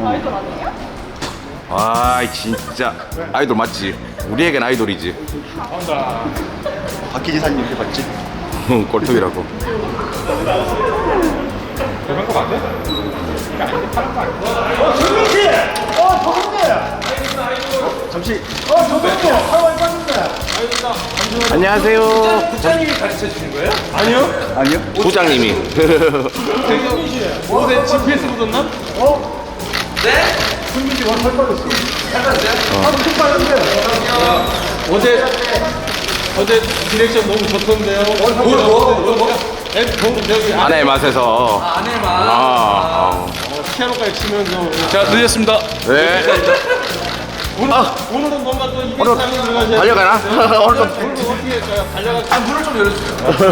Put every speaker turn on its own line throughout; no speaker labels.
아이돌 아니에요?
아 진짜 아이돌 맞지? 우리에겐 아이돌이지.
박희지 사님 해봤지?
꼴통이라고.
대박 거 맞아?
잠시. 저분도 하와이 빠진다.
안녕하세요.
부장님이 가르쳐 주신 거예요?
아니요?
부장님이.
옷에 GPS 묻었나?
승민이 완전 살 빠졌어.
어제 디렉션 너무 좋던데요. 저기
아내의 맛에서.
아내만.
피아노까지 치면서
제가 늦었습니다. 네.
오늘은 뭔가 또 이벤트 하는 들어가셔야
달려가나? 오늘 좀.
오늘 어떻게 할까요? 달려가.
문을 좀 열어주세요.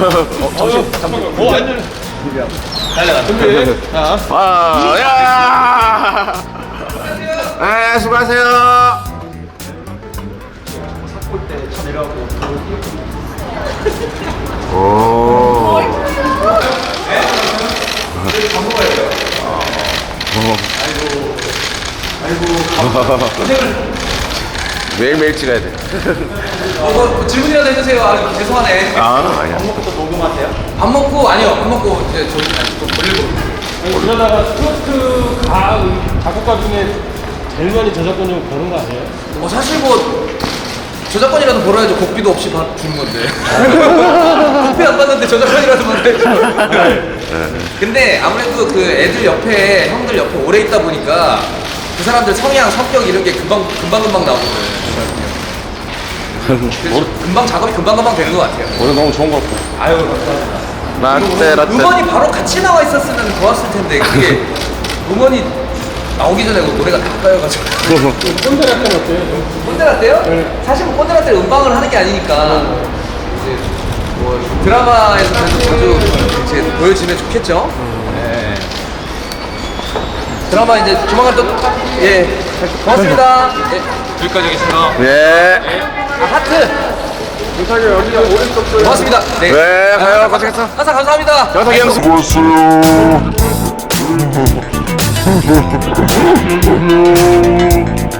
완전 달려가. 준비. 자,
와, 야! 네, 수고하세요. 오. 매일매일 찍어야 돼.
뭐 질문이라도 해주세요. 아, 죄송하네.
아니야.
밥 먹고 아니요. 밥 먹고 이제 좀 걸리고.
그러다가 스포츠 작곡가 중에 제일 많이 저작권료 버는 거 아니에요?
사실 뭐 저작권이라도 벌어야죠. 곡비도 없이 주는 건데. 곡비 안 받는데 저작권이라도 받아야죠. 근데 아무래도 그 애들 옆에 형들 옆에 오래 있다 보니까 그 사람들 성향, 성격 이런 게 금방 나오거든요. 그래서 금방 작업이 금방 되는 것 같아요.
오늘 너무 좋은 거 같고.
아유,
라떼, 라떼.
음원이 바로 같이 나와 있었으면 좋았을 텐데 그게 음원이 나오기 전에 노래가 다 까여가지고.
꼰대라떼 어때요?
꼰대라떼요? 사실 뭐 꼰대라떼 음방을 하는 게 아니니까 이제 뭐 드라마에서 자주 이제 보여지면 좋겠죠. 네. 드라마 이제 조만간 또 고맙습니다.
여기까지 하겠습니다.
네.
하트. 고맙습니다. 네.
네, 가요. 고생했어.
항상 감사합니다.
영탁이 형
Brasil.